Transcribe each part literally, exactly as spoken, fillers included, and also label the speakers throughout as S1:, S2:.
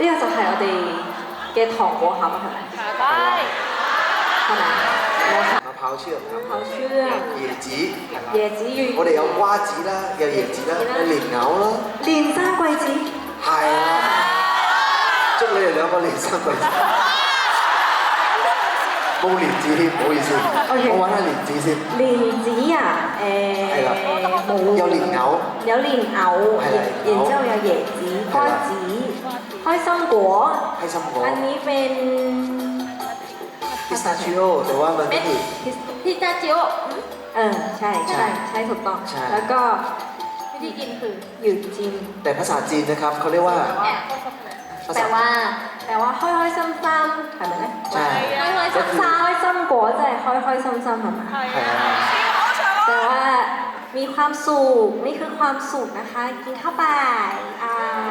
S1: 呢個就係我哋嘅糖果盒係咪？
S2: ได้
S1: 係咪？冇錯。
S3: มะพร้าวเชื่อมครับ
S1: มะพร้าวเชื่อม
S3: 椰子係啦
S1: 椰子月
S3: 我哋有瓜子啦，有椰子啦，有蓮藕啦，
S1: 連生貴子。
S3: 係啊，祝你哋兩個連生貴子。冇蓮子添，唔好意思，我揾下蓮子先。
S1: 蓮子啊，誒
S3: 係啦
S1: 冇。
S3: 有蓮藕，
S1: 有蓮藕，
S3: 係啦
S1: 然之後有椰子、瓜子、開心果。
S3: 開心果
S1: อันนี้เป็น
S3: พิสตาชิโอแต่ว่ามันก็คือ
S2: พิซซ่าจิโอ
S1: เออใช่ใช่ใช่ถูกต้อง
S3: ใช่
S1: แล้วก็
S2: วิธีกินคือ
S1: หยุดจิน
S3: แต่ภาษาจีนนะครับเขาเรียกว่า
S2: แอบ
S3: ภา
S1: แปล
S3: ษา
S1: ว่าแปลว่าค่อยค่อยซ้ำซ้ำๆ係咪咧？
S3: ใช่
S2: ไม่ค่อย
S3: ก็
S2: ซ้
S3: คือ
S1: 開心果即係開開心心係咪？
S2: ำ
S3: ใช่
S1: แต่ว่ามีความสุขนี่คือความสุขนะคะกินเข้าไปอ่า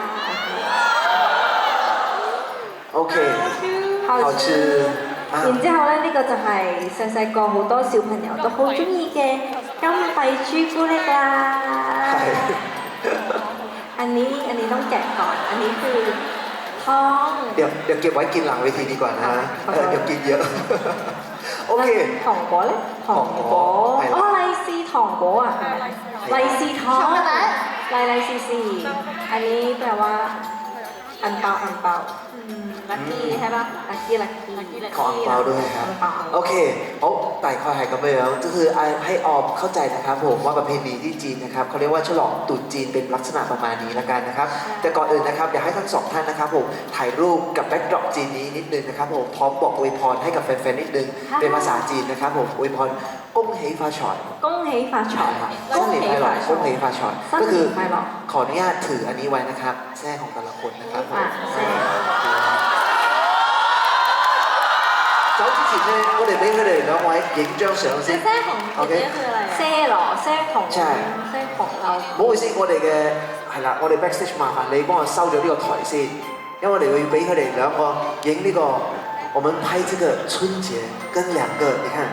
S3: โอเค
S1: 好
S3: 好吃啊
S1: 然之後咧，呢、個就係細細個好多小朋友都好中意嘅金幣朱古力啦。
S3: ใช่
S1: อันนี้อันนี้ต้องแกะก่อน อันนี้คือทอง
S3: เดี๋ยวเดี๋ยวเก็บไว้กินหลังเวทีดีกว่านะ
S1: ขอ
S3: เอ
S1: โทษ
S3: อเดี๋ยวกินเยอะ โอเค
S1: 糖果咧，糖
S3: 糖
S1: 果
S3: 果係啦
S1: 哦，利是糖果啊，係咪？利是糖，利利是是，อันนี้แปลว่าอันเปาอันเปาลัคกี้ใช่ปะลัคกี้ลัคกี้
S3: ขออังเปาด้วยครับ
S1: อังเปาอัง
S3: โอ
S1: เปา
S3: เคเอาไต่คอยหายกันไปแล้วก็คือให้ออมเข้าใจนะครับผมว่าประเพณีที่จีนนะครับเขาเรียกว่าฉลองตรุษจีนเป็นลักษณะประมาณนี้ละกันนะครับ แต่ก่อนอื่นนะครับอยากให้ทั้งสองท่านนะครับผมถ่ายรูปกับแบ็กดรอปจีนนี้นิดนึงนะครับผมพร้อมบอกอวยพรให้กับแฟนๆนิดนึงเป็นภาษาจีนนะครับผมอวยพรก้งเฮฟาชอน
S1: 恭喜發財
S3: ก้งเฮฟาชอนก้งเฮฟาชอนก็คือ
S1: 新年快樂
S3: ขออนุญาตถืออันนี้ไว้นะครับแท้ของแต่ละคนนะครับผม
S1: 啊，係
S3: 走之前咧，我哋俾佢哋兩位影張相先。
S2: แซ่ของ姐姐คืออะไร
S1: เซ่หรอเซ่ของ
S3: ใช่
S1: เซ่ของเรา
S3: 唔好意思，我哋嘅係啦，我哋 backstage 麻煩你幫我收咗呢個台先，因為我哋要俾佢哋兩個影呢個，我們拍這個春節跟兩個，你看，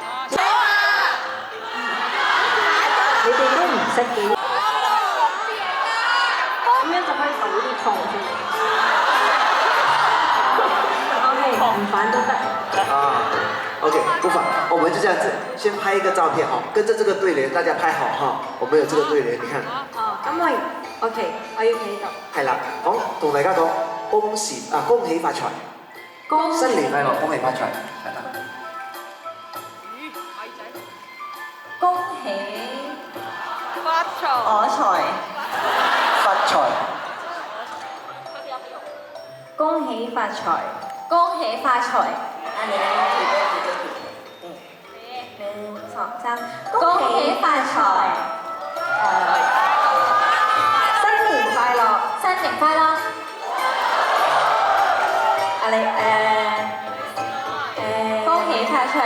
S1: 你哋都唔識嘅，咁樣就可以倒啲糖出嚟。OK，唔反都得。
S3: 啊，OK，不妨，我們就這樣子，先拍一個照片哈，跟着這個對聯，大家拍好哈，我們有這個對聯，你看，
S1: 哦，咁我 OK，我要企度。
S3: 係啦，講同大家講，恭喜啊，恭喜發財，
S1: 恭喜
S3: 新年快樂，恭喜發財，係啦，
S1: 恭喜
S2: 發財
S1: 我財，
S3: 發財，
S1: 恭喜發財，
S2: 恭喜發財
S1: 啊你嚟幾多幾多幾多？หนึ่งสองสาม恭喜發財，誒，新年快樂，
S2: 新年快樂
S1: 啊你誒誒，
S2: 恭喜發財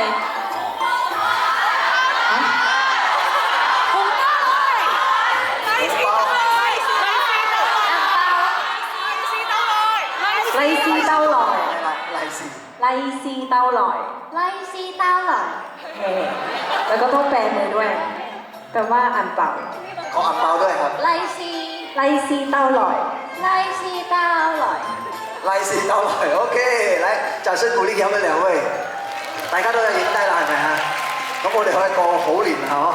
S1: 利是兜來，
S3: 係啦，利是，
S1: 利是兜來。
S2: 利是兜來
S1: เฮ้แล้วก็ต้องแปลมือด้วยแปลว่าอันเปล่า
S3: ขออังเปาด้วยครับ
S2: 利是
S1: ไลซีเต้าลอย
S2: 利是兜來
S3: 利是到來，OK，嚟，掌聲鼓勵佢哋兩位，大家都有影低啦，係咪啊？咁我哋可以過好年啦，嗬。